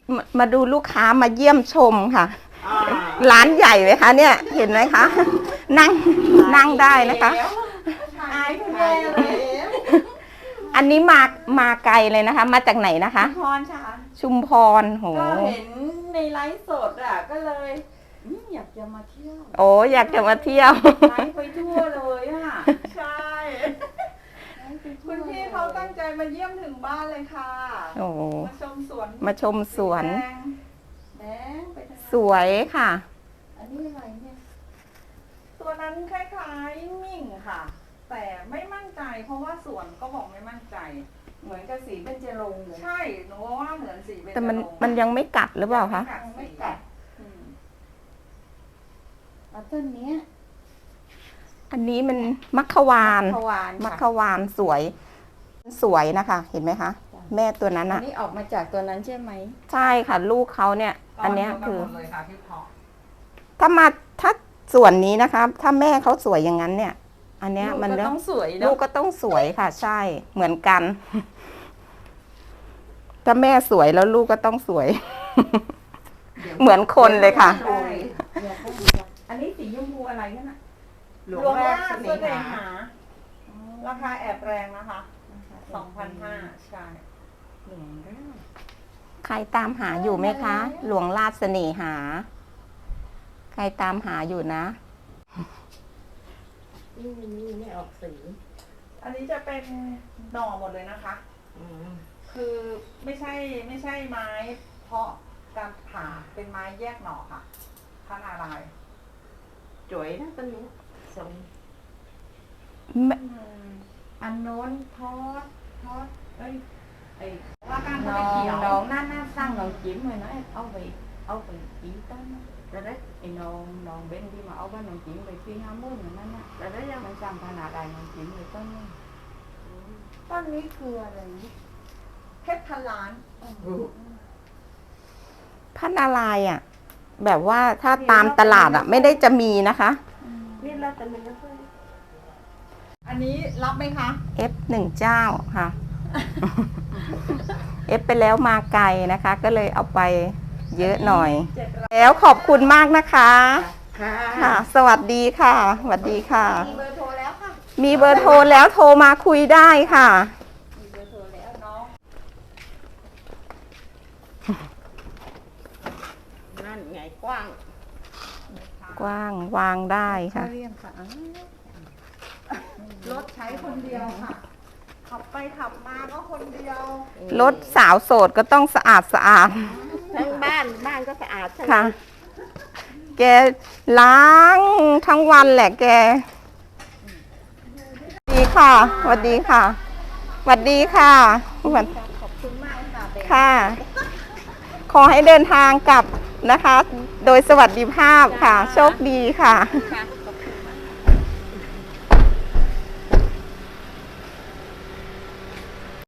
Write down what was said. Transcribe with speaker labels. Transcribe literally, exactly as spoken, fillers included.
Speaker 1: มามาดูลูกค้ามาเยี่ยมชมค่ะร้านใหญ่ไหมคะเนี่ยเห็นไหมคะนั่งนั่งได้นะคะอันนี้มามาไกลเลยนะคะมาจากไหนนะคะ
Speaker 2: ชุมพรค่ะ
Speaker 1: ชุมพรโห
Speaker 2: ก็เห็นในไลฟ์สดอ่ะก็เลยอยากจะมาเที่ยว
Speaker 1: โอ้อยากจะมาเที่ยว
Speaker 2: ไลฟ์ไปทั่วเลยอ่ะใช่คุณพี่เขาตั้งใจมาเยี่ยมถึงบ้านเลยค่ะ
Speaker 1: โอ้
Speaker 2: มาชมสวน
Speaker 1: มาชมสวน
Speaker 2: แดงไป
Speaker 1: สวยค่ะ
Speaker 2: อันนี้อะไรเนี่ยตัวนั้นคล้ายๆมิ่งค่ะแต่ไม่มั่นใจเพราะว่าสวนก็บอกไม่มั่นใจเหมือนกับสีเบญจรงค์ใช่หนูว่าเหมือนสีเบญจรงค์
Speaker 1: แต่มันมันยังไม่กัดหรือเปล่าคะ
Speaker 2: ไม่กัดเอาต้นนี้
Speaker 1: อันนี้มันมัคควานมัคควานสวยสวยนะคะเห็นไหมคะแม่ตัวนั้นอ่ะ
Speaker 2: นี่ออกมาจากตัวนั้นใช่ไหม
Speaker 1: ใช่ค่ะลูกเขาเนี่ยอันนี้คือถ้ามาถ้าส่วนนี้นะคะถ้าแม่เขาสวยอย่างนั้นเนี่ยอันเนี้ยมัน
Speaker 2: ต้องสวย
Speaker 1: ลูกก็ต้องสวยค่ะใช่เหมือนกันถ้าแม่สวยแล้วลูกก็ต้องสวยเหมือนคนเลยค่ะ
Speaker 2: อันนี้สีชมพูอะไรกันนะหลวงแรกเสน่หาราคาแอบแรงนะคะสองพันห้าใช่หลวงแรก
Speaker 1: ใครตามหาอยู่ไหมคะหลวงราชเสน่หาใครตามหาอยู่นะ
Speaker 2: นี่นี่ไม่ออกสีอันนี้จะเป็นหน่อหมดเลยนะคะคือไม่ใช่ไม่ใช่ไม้เพาะการผ่าเป็นไม้แยกหน่อค่ะพระนารายณ์จ๋วยนะต้นนี้ทรงอันโน้นทอดทอดเอ้ยไอ้ว่าการน้องน้องนั่นน่าสร้างน้องจิ้มเลยนะเอาไปเอาไปจิ้มต้นแล้วได้ไอ้น้องน้องเบนที่มาเอาบ้านน้องจิ้มไปที่ห้าหมื่นนั่นน่ะแล้วได้ยังมันสร้างพระนารายณ์น้องจิ้มเลยต้นนี้ต้นนี้คืออะไรเพชรพันล้าน
Speaker 1: พระนารายณ์อ่ะแบบว่าถ้าตามตลาดอ่ะไม่ได้จะมีนะคะ
Speaker 2: นี่เราแต่มันไม่ค่อยอันนี้รับไหมคะ
Speaker 1: เอฟ หนึ่งเจ้าค่ะ เอฟ ไปแล้วมาไกลนะคะ ก็เลยเอาไปเยอะหน่อยแล้วขอบคุณมากนะคะค่ะสวัสดีค่ะสวัสดีค่ะ
Speaker 2: มีเบอร์โทรแล้วค่ะ
Speaker 1: มีเบอร์โทรแล้วโทรมาคุยได้ค่ะ
Speaker 2: มีเบอร์โทรแล้วน้องนั่นไงกว้าง
Speaker 1: กว้างวางได้ค่ะ
Speaker 2: รถใช้คนเดียวค่ะขับไปขับมาก็คนเดียว
Speaker 1: รถสาวโสดก็ต้องสะอาดสะอาด
Speaker 2: ทั้งบ้านบ้านก็สะอาด
Speaker 1: ค่ะแกล้างทั้งวันแหละแกดีค่ะสวัสดีค่ะสวัสดีค่ะ
Speaker 2: ขอบคุณมาก
Speaker 1: ค่ะขอให้เดินทางกลับนะคะโดยสวัสดิภาพค่ะโชคดีค่ะ